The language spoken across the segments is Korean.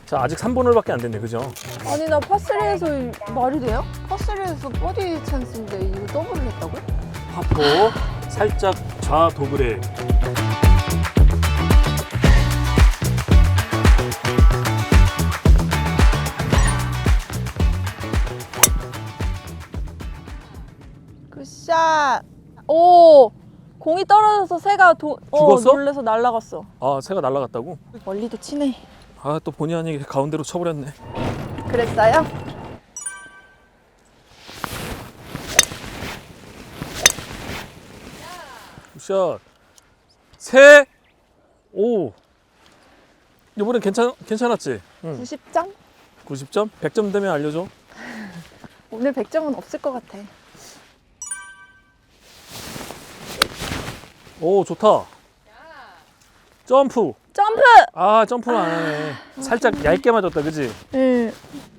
자, 아직 3번홀밖에 안 됐네, 그죠? 아니 나 파3에서 말이 돼요? 파3에서 버디 찬스인데 이거 더블을 했다고? 파4 살짝 좌 도그레. 굿샷. 오, 공이 떨어져서 새가 죽었어? 놀래서 날아갔어. 아, 새가 날아갔다고? 멀리도 치네. 아, 또 본의 아니게 가운데로 쳐버렸네. 그랬어요? 굿샷. 새. 오. 이번엔 괜찮았지? 응. 90점? 90점? 100점 되면 알려줘. 오늘 100점은 없을 것 같아. 오, 좋다. 점프. 점프! 아, 점프는 안 하네. 살짝 얇게 맞았다, 그지? 응.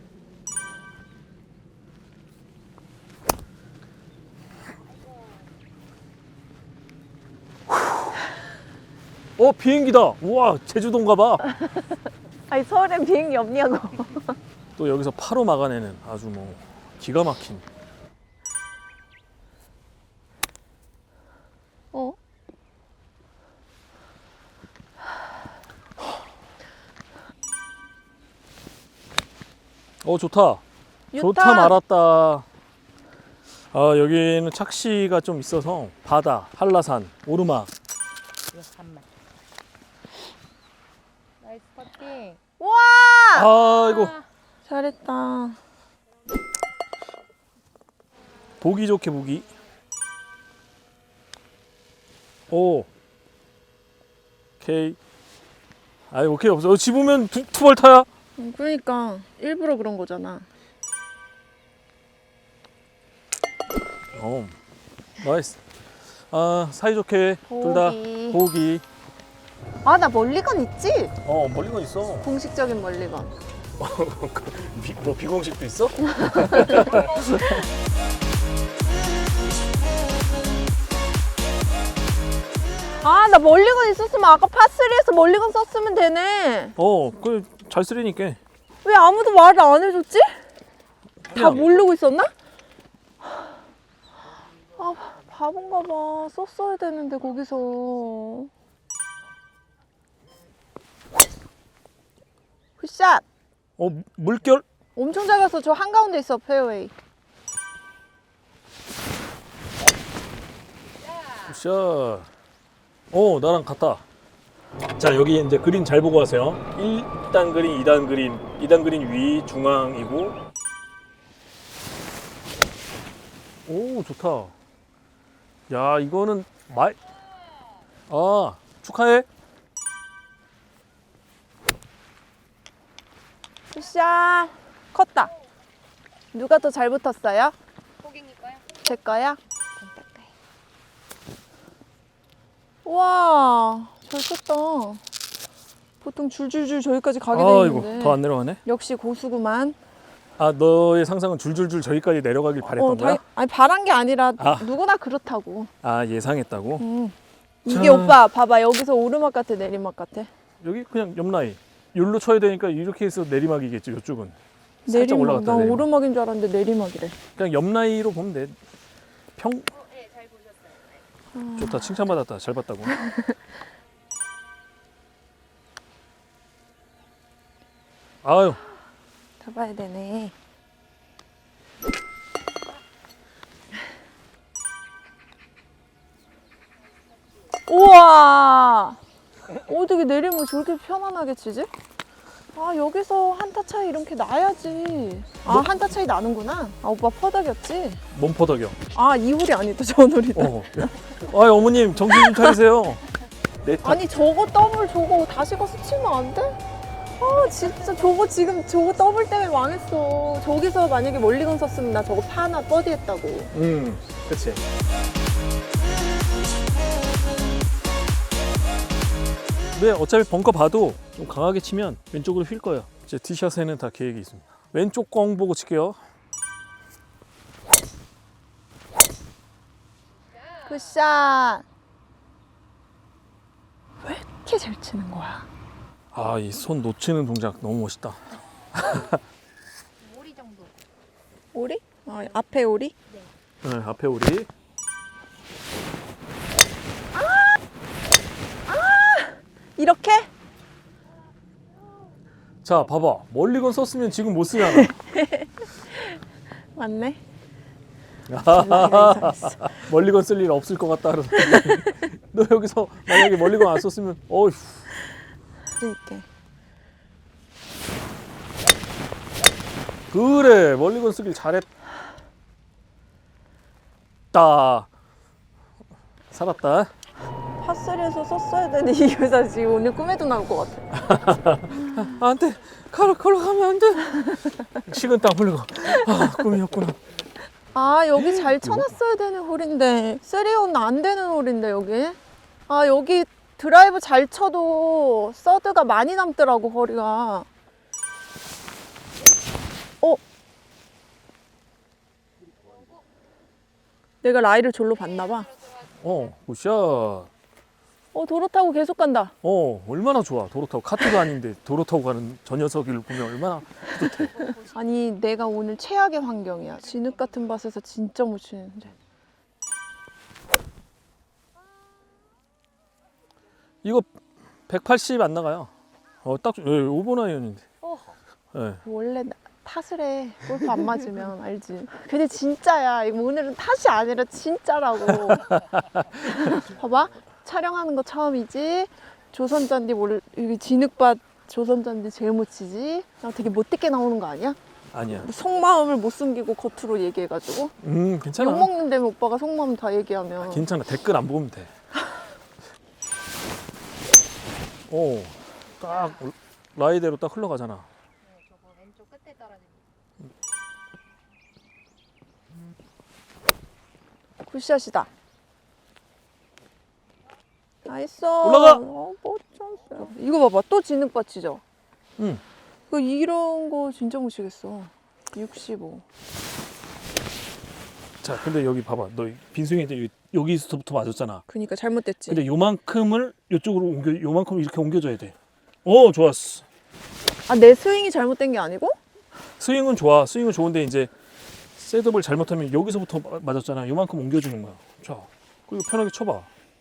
비행기다. 우와, 제주도인가 봐. 아니 서울엔 비행기 없냐고. 또 여기서 파로 막아내는 아주 뭐 기가 막힌. 어? 좋다. 좋다 말았다. 아, 여기는 착시가 좀 있어서 바다, 한라산, 오르막. 나이스 퍼팅. 와! 아이고, 잘했다. 보기 좋게 보기. 오. 오케이. 아이, 오케이 없어. 집으면 투벌타야. 그러니까 일부러 그런 거잖아. 나이스. 아, 사이좋게 둘 다 보기. 보기. 아, 나 멀리건 있지? 멀리건 있어. 공식적인 멀리건. 뭐 비공식도 있어? 아, 나 멀리건 있었으면 아까 파3에서 멀리건 썼으면 되네. 그래 잘 쓰리니까. 왜 아무도 말을 안 해줬지? 다 그냥. 모르고 있었나? 아, 바본가 봐. 썼어야 되는데 거기서. 굿샷. 물결? 엄청 잘 갔어. 저 한가운데 있어, 페어웨이. 굿샷. 나랑 같다. 자, 여기 이제 그린 잘 보고 하세요. 1단 그린, 2단 그린. 2단 그린 위, 중앙이고. 오, 좋다. 야, 이거는 축하해. 굿샷. 컸다. 누가 더 잘 붙었어요? 고객님까요? 제 거야? 와, 잘 쳤다. 보통 줄줄줄 저기까지 가게 돼 있는데. 아이고, 더 안 내려가네. 역시 고수구만. 아, 너의 상상은 줄줄줄 저기까지 내려가길 바랬던 거야? 아니 바란 게 아니라 아. 누구나 그렇다고. 아, 예상했다고? 이게 오빠 봐봐, 여기서 오르막 같아 내리막 같아? 여기 그냥 옆라인. 여기로 쳐야 되니까 이렇게 해서 내리막이겠지, 이쪽은. 살짝 내리막. 올라갔다 난 내리막. 오르막인 줄 알았는데 내리막이래. 그냥 옆라인으로 보면 돼. 네, 잘 보셨어요. 좋다, 칭찬받았다. 잘 봤다고. 아유, 잡아야 되네. 우와, 어떻게 내리면 저렇게 편안하게 치지? 아, 여기서 한타 차이 이렇게 나야지. 아, 한타 차이 나는구나. 아, 오빠 퍼덕이었지? 몸퍼덕여. 아, 이 홀이 아니다, 저 홀이다. 아유, 어머님, 정신 좀 차리세요. 아니, 저거 더블 저거 다시 가서 치면 안 돼? 아, 진짜 저거 지금 저거 더블 때문에 망했어. 저기서 만약에 멀리건 썼으면 나 저거 파 하나 버디 했다고. 그치. 네, 어차피 벙커 봐도 좀 강하게 치면 왼쪽으로 휠 거예요. 이제 티샷에는 다 계획이 있습니다. 왼쪽 공 보고 칠게요. 굿샷. 왜 이렇게 잘 치는 거야? 아, 이 손 놓치는 동작 너무 멋있다. 오리 정도. 오리? 앞에 오리? 네, 앞에 우리. 이렇게? 자, 봐봐. 멀리건 썼으면 지금 못 쓰잖아. 맞네. 멀리건 쓸 일 없을 것 같다. 그래서 너 여기서 만약에 멀리건 안 썼으면 어휴. 이렇게. 그래, 멀리건 쓰길 잘했다. 살았다. 파3에서 썼어야 되는 이 여자 지금 오늘 꿈에도 나올 것 같아. 안 돼. 걸어 가면 안 돼. 식은땀 흘리고. 아, 꿈이었구나. 아, 여기 잘 쳐놨어야 되는 홀인데. 3온 안 되는 홀인데, 여기. 아, 여기 드라이브 잘 쳐도 서드가 많이 남더라고, 거리가. 내가 라이를 졸로 봤나봐. 굿샷. 도로 타고 계속 간다. 얼마나 좋아. 도로 타고 카트도 아닌데 도로 타고 가는 저 녀석을 보면 얼마나 뿌듯해. 아니, 내가 오늘 최악의 환경이야. 진흙 같은 밭에서 진짜 못 치는데. 이거 180 안 나가요. 딱 5번 아이언인데. 네. 원래 탓을 해. 골프 안 맞으면 알지. 근데 진짜야. 이거 오늘은 탓이 아니라 진짜라고. 봐봐. 촬영하는 거 처음이지. 조선잔디 여기 진흙밭 조선잔디 제일 못 치지. 나 되게 못되게 나오는 거 아니야? 아니야. 속마음을 못 숨기고 겉으로 얘기해가지고. 괜찮아. 욕먹는데 오빠가 속마음 다 얘기하면. 괜찮아. 댓글 안 보면 돼. 딱 라이대로 딱 흘러가잖아. 네, 저거 왼쪽 끝에 떨어지는. 굿샷이다. 나이스. 올라가. 뭐 쳤어요. 이거 봐봐. 또 진흙밭이죠? 응. 이런 거 진짜 못 치겠어. 65. 자, 근데 여기 봐봐. 너 빈스윙인데 여기서부터 맞았잖아. 그니까 잘못됐지. 근데 요만큼을 이쪽으로 요만큼 이렇게 옮겨줘야 돼. 좋았어. 아, 내 스윙이 잘못된 게 아니고? 스윙은 좋아. 스윙은 좋은데 이제 셋업을 잘못하면 여기서부터 맞았잖아. 요만큼 옮겨주는 거야. 자, 그리고 편하게 쳐봐.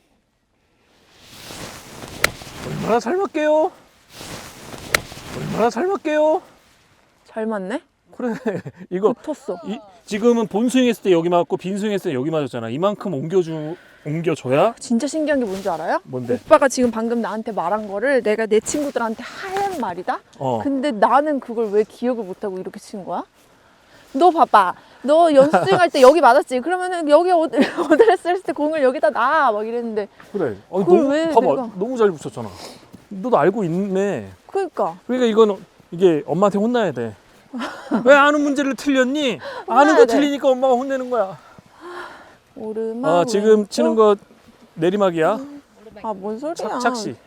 얼마나 잘 맞게요? 얼마나 잘 맞게요? 잘 맞네? 그래. 이거 붙었어. 지금은 본 스윙 했을 때 여기 맞고 빈 스윙 했을 때 여기 맞았잖아. 이만큼 옮겨줘야. 진짜 신기한 게 뭔지 알아요? 뭔데? 오빠가 지금 방금 나한테 말한 거를 내가 내 친구들한테 하는 말이다? 근데 나는 그걸 왜 기억을 못하고 이렇게 친 거야? 너 봐봐. 너 연습 스윙 할 때 여기 맞았지? 그러면은 여기 어드레스 했을 때 공을 여기다 놔. 막 이랬는데. 그래. 그걸 너무, 왜 봐봐. 내가- 너무 잘 붙였잖아. 너도 알고 있네. 그러니까. 그러니까 이거는 이게 엄마한테 혼나야 돼. 왜 아는 문제를 틀렸니? 아는 거 돼. 틀리니까 엄마가 혼내는 거야. 오르막. 지금 왼쪽. 치는 거 내리막이야. 오르막. 아, 뭔 소리야. 착시.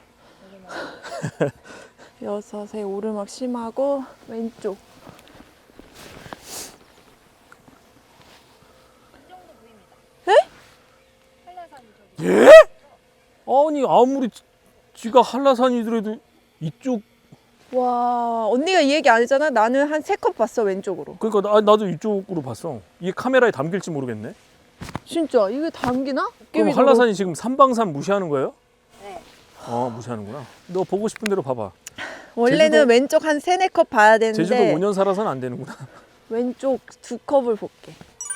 여섯에 오르막 심하고 왼쪽. 이 정도 보입니다. 에? 한라산이 저기. 아니 아무리 지가 한라산이더라도 이쪽 와, 언니가 이 얘기 안 했잖아. 나는 한 3컵 봤어, 왼쪽으로. 그러니까 나도 이쪽으로 봤어. 이게 카메라에 담길지 모르겠네. 진짜 이게 담기나? 그럼 한라산이 지금 삼방산 무시하는 거예요? 네. 무시하는구나. 너 보고 싶은 대로 봐봐. 원래는 제주도- 왼쪽 한 3-4컵 봐야 되는데 제주도 5년 살아서는 안 되는구나. 왼쪽 2컵을 볼게.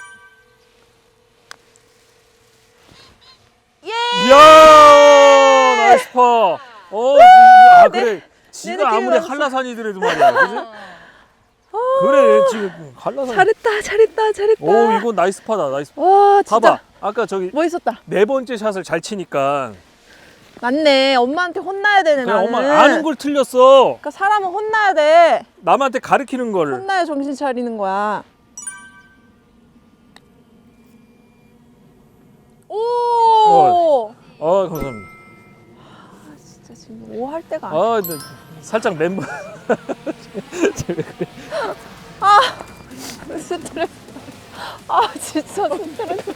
이야 나이스 파. 그래. 지가 느낌이 아무리 왔어. 한라산이더라도 말이야. 그지? 그래 지금 한라산. 잘했다. 이거 나이스 파다. 나이스. 와, 진짜 봐봐. 아까 저기 멋있었다. 4번째 샷을 잘 치니까 맞네. 엄마한테 혼나야 되네, 그냥 나는. 엄마 아는 걸 틀렸어. 그러니까 사람은 혼나야 돼. 남한테 가르치는 걸. 혼나야 정신 차리는 거야. 오! 감사합니다. 진짜 지금 오 할 때가 아니야. 근데 살짝 멤버 스트레스. 진짜 스트레스.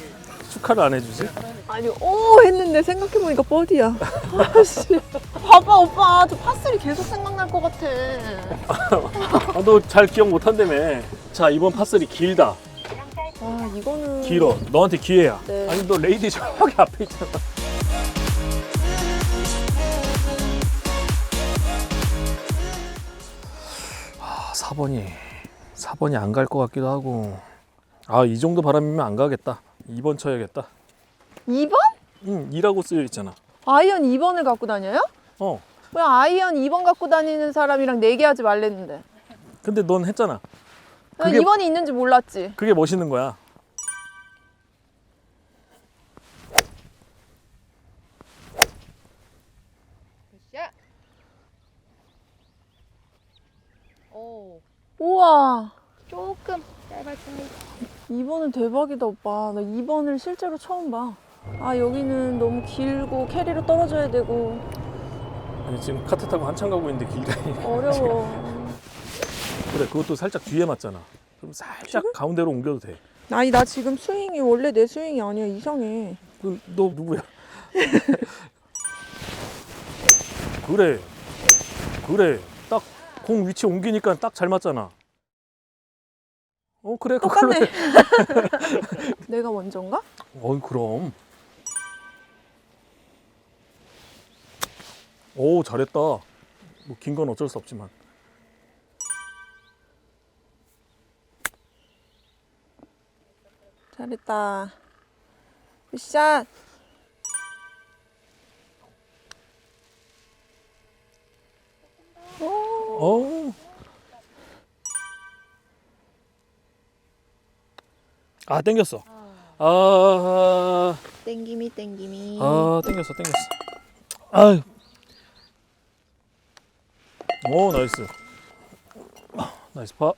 축하를 안 해주지? 아니, 오 했는데 생각해보니까 버디야. 씨. 봐봐. 오빠 저 파3 계속 생각날 것 같아. 아, 너 잘 기억 못한다며. 자, 이번 파3 길다. 아 이거는 길어. 너한테 기회야. 네. 아니, 너 레이디 저기 앞에 있잖아. 아, 4번이 안 갈 것 같기도 하고. 아, 이 정도 바람이면 안 가겠다. 2번 쳐야겠다. 2번? 응, 2라고 쓰여 있잖아. 아이언 2번을 갖고 다녀요? 어. 왜 아이언 2번 갖고 다니는 사람이랑 내기하지 말랬는데. 근데 넌 했잖아. 나 그게- 2번이 있는지 몰랐지. 그게 멋있는 거야. 굿샷. 오, 우와 조금 짧았습니다. 2번은 대박이다 오빠. 나 2번을 실제로 처음 봐. 아 여기는 너무 길고 캐리로 떨어져야 되고 아니, 지금 카트 타고 한참 가고 있는데 길다니. 어려워. 그래, 그것도 살짝 뒤에 맞잖아. 그럼 살짝 가운데로 옮겨도 돼. 아니 나 지금 스윙이 원래 내 스윙이 아니야. 이상해. 너 누구야? 그래. 딱 공 위치 옮기니까 딱 잘 맞잖아. 그래, 그걸로 똑같네. 해. 내가 먼저인가? 그럼. 오, 잘했다. 뭐 긴 건 어쩔 수 없지만. 잘했다. 굿샷. 어. 아, 땡겼어. 아, 땡기미. 땡겼어. 아유. 오, 나이스. 나이스 파.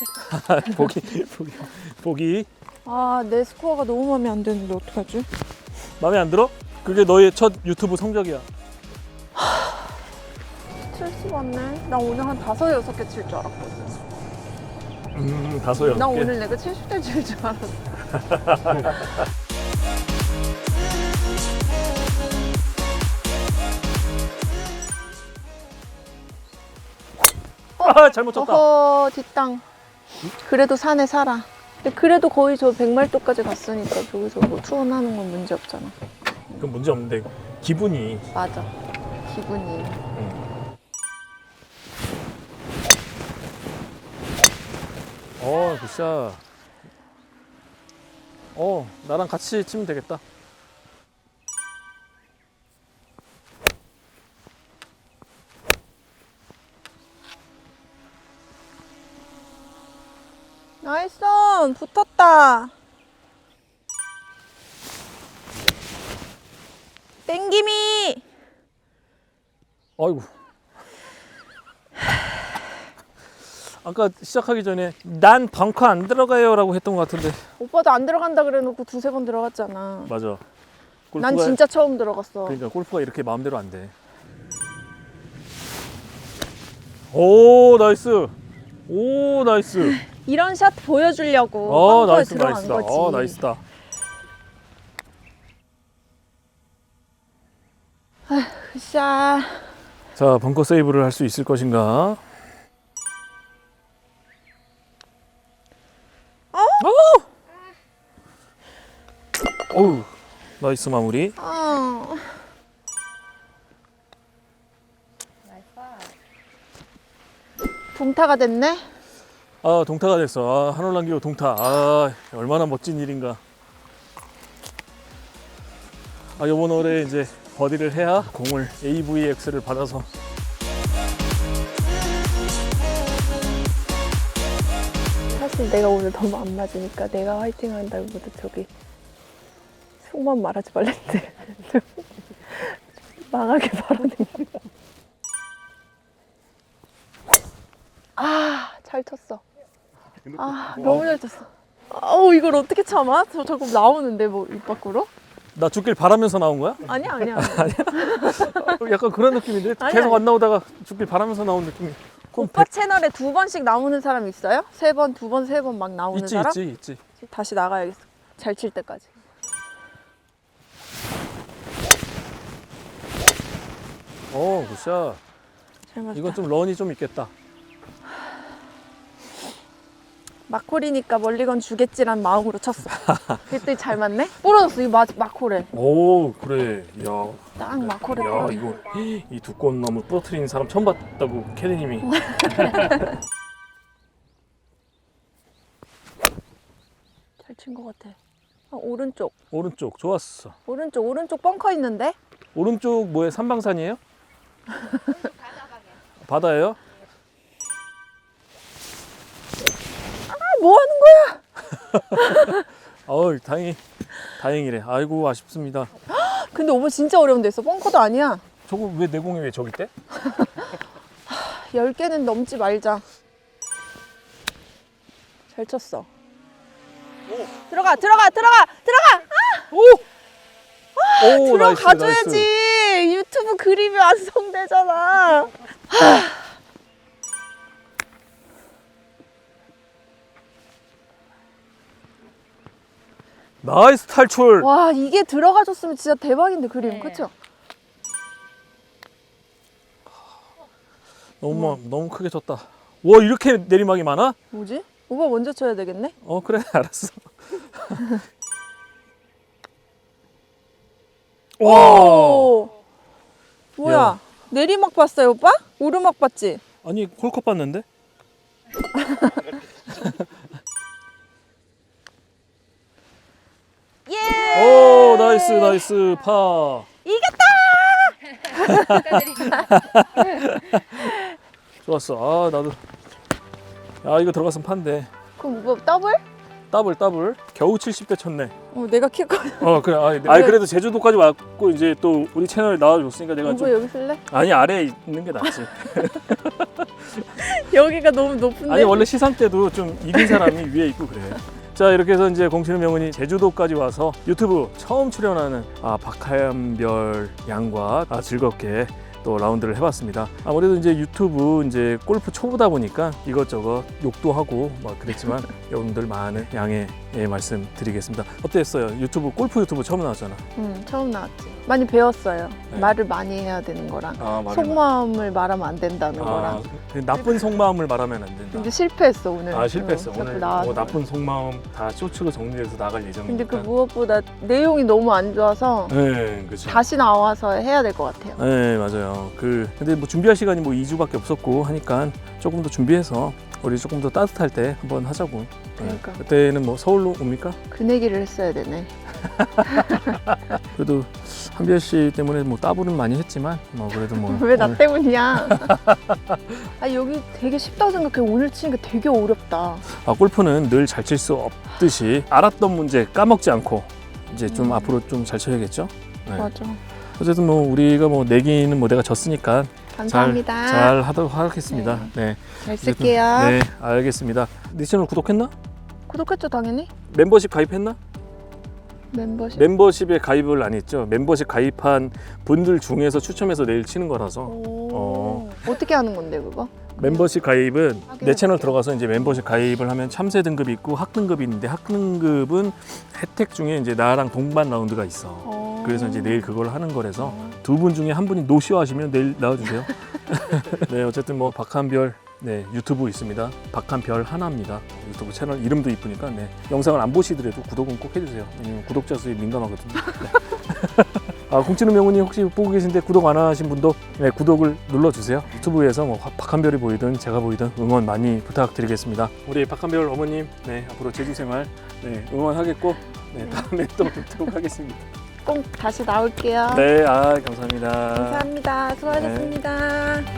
보기. 아 내 스코어가 너무 마음에 안 드는데 어떡하지? 마음에 안 들어? 그게 너의 첫 유튜브 성적이야. 칠수 맞네. 나 오늘 한 5, 6개 칠 줄 알았거든. 5, 6개. 나 오늘 내가 70대 칠 줄 알았어. 아, 잘못 쳤다. 어허 뒷땅. 그래도 산에 살아. 근데 그래도 거의 저 100마일도까지 갔으니까 저기서 뭐 투혼하는 건 문제 없잖아. 그건 문제 없는데 기분이. 맞아. 기분이. 굿샷. 나랑 같이 치면 되겠다. 나이스 온. 붙었다. 땡기미. 아이고. 아까 시작하기 전에 난 벙커 안 들어가요 라고 했던 것 같은데. 오빠도 안 들어간다 그래놓고 2-3번 들어갔잖아. 맞아. 난 진짜 처음 들어갔어. 그러니까 골프가 이렇게 마음대로 안 돼. 오, 나이스. 이런 샷 보여주려고 벙커에 들어간 나이스다. 거지. 나이스다. 굿샷. 자, 벙커 세이브를 할 수 있을 것인가? 어우, 나이스 마무리. 나이스. 동타가 됐네. 아, 동타가 됐어. 한올 남기고 동타. 얼마나 멋진 일인가. 이번 올해 이제 버디를 해야 공을 AVX를 받아서. 사실 내가 오늘 너무 안 맞으니까 내가 화이팅 한다기보다 저기 속만 말하지 말랬는데 망하게 바라는 거. 잘 쳤어. 너무 잘 쳤어. 이걸 어떻게 참아? 저 자꾸 나오는데 뭐 입 밖으로? 나 죽길 바라면서 나온 거야? 아니야. 약간 그런 느낌인데 아니, 계속 아니. 안 나오다가 죽길 바라면서 나온 느낌이. 오빠 채널에 2번씩 나오는 사람 있어요? 3번, 2번, 3번 막 나오는 있지 사람? 있지. 다시 나가야겠어. 잘 칠 때까지. 굿샷. 잘 맞았다. 이건 좀 런이 좀 있겠다. 마콜이니까 멀리건 주겠지란 마음으로 쳤어. 그랬더니 잘 맞네? 부러졌어, 이 마콜에. 오, 그래. 야, 딱 마콜에 야, 부러졌어. 이거 이 두꺼운 나무 부러뜨리는 사람 처음 봤다고 캐디님이. 잘 친 것 같아. 오른쪽. 오른쪽 좋았어. 오른쪽 벙커 있는데? 오른쪽 뭐에 삼방산이에요? 바다예요? 뭐 하는 거야? 어우, 다행이래. 아이고, 아쉽습니다. 근데 오빠 진짜 어려운 데 있어. 벙커도 아니야. 저거 왜 내공이 왜 저기 있대? 10개는 넘지 말자. 잘 쳤어. 들어가! 오, 나이스, 들어가줘야지. 나이스. 유튜브 그림이 완성되잖아. 나이스 탈출. 와, 이게 들어가줬으면 진짜 대박인데 그림. 네. 그쵸? 너무 크게 쳤다. 와, 이렇게 내리막이 많아? 뭐지? 오빠 먼저 쳐야 되겠네? 그래, 알았어. 와, 오! 뭐야? 야. 내리막 봤어요, 오빠? 오르막 봤지? 아니 홀컵 봤는데? 예! 오, 나이스 파. 좋았어. 아, 나도. 야, 이거 들어갔으면 판데. 그럼 오빠 더블? 더블. 겨우 70대 쳤네. 내가 키 커. 그래. 아니 그래도 제주도까지 왔고 이제 또 우리 채널 나와줬으니까 내가 오빠 좀. 여기 쓸래? 아니, 아래에 있는 게 낫지. 여기가 너무 높은데? 아니, 원래 시상 때도 좀 이긴 사람이 위에 있고 그래. 자, 이렇게 해서 이제 공치는 명은이 제주도까지 와서 유튜브 처음 출연하는 박하연별 양과 즐겁게 또 라운드를 해봤습니다. 아무래도 이제 유튜브 이제 골프 초보다 보니까 이것저것 욕도 하고 그랬지만 여러분들 많은 양해 말씀드리겠습니다. 어땠어요? 골프 유튜브 처음 나왔잖아. 처음 나왔지. 많이 배웠어요. 네. 말을 많이 해야 되는 거랑 말을 속마음을 말하면 안 된다는 거랑. 나쁜 속마음을 말하면 안 된다. 근데 실패했어 오늘. 실패했어. 자꾸 오늘 나와서. 나쁜 속마음 다 쇼츠로 정리해서 나갈 예정이니까. 근데 그 무엇보다 내용이 너무 안 좋아서 네, 그렇죠. 다시 나와서 해야 될 것 같아요. 네, 맞아요. 근데 뭐 준비할 시간이 2주밖에 없었고 하니까 조금 더 준비해서 우리 조금 더 따뜻할 때 한번 하자고. 그러니까. 그때는 뭐 서울로 옵니까? 그 내기를 했어야 되네. 그래도 한별 씨 때문에 뭐 따블은 많이 했지만 그래도 왜 나 오늘 때문이야? 여기 되게 쉽다고 생각해. 오늘 치니까 되게 어렵다. 골프는 늘 잘 칠 수 없듯이 알았던 문제 까먹지 않고 이제 좀 앞으로 좀 잘 쳐야겠죠? 네. 맞아. 어쨌든 우리가 내기는 내가 졌으니까 감사합니다. 잘 하도록 하겠습니다. 네. 잘 쓸게요. 네, 알겠습니다. 네 채널 구독했나? 구독했죠 당연히. 멤버십 가입했나? 멤버십. 멤버십에 가입을 안 했죠. 멤버십 가입한 분들 중에서 추첨해서 내일 치는 거라서. 어떻게 하는 건데 그거? 멤버십 가입은 내 확인해볼게요. 채널 들어가서 이제 멤버십 가입을 하면 참새 등급이 있고 학등급이 있는데 학등급은 혜택 중에 이제 나랑 동반 라운드가 있어. 그래서 이제 내일 그걸 하는 거라서 두 분 중에 한 분이 노쇼 하시면 내일 나와주세요. 네, 어쨌든 박한별 유튜브 있습니다. 박한별 하나입니다. 유튜브 채널 이름도 이쁘니까 영상을 안 보시더라도 구독은 꼭 해주세요. 왜냐면 구독자 수에 민감하거든요. 공치는 명운이 혹시 보고 계신데 구독 안 하신 분도 구독을 눌러주세요. 유튜브에서 박한별이 보이든 제가 보이든 응원 많이 부탁드리겠습니다. 우리 박한별 어머님 앞으로 제주 생활 응원하겠고 다음에 또 뵙도록 하겠습니다. 꼭 다시 나올게요. 네, 감사합니다. 감사합니다. 수고하셨습니다.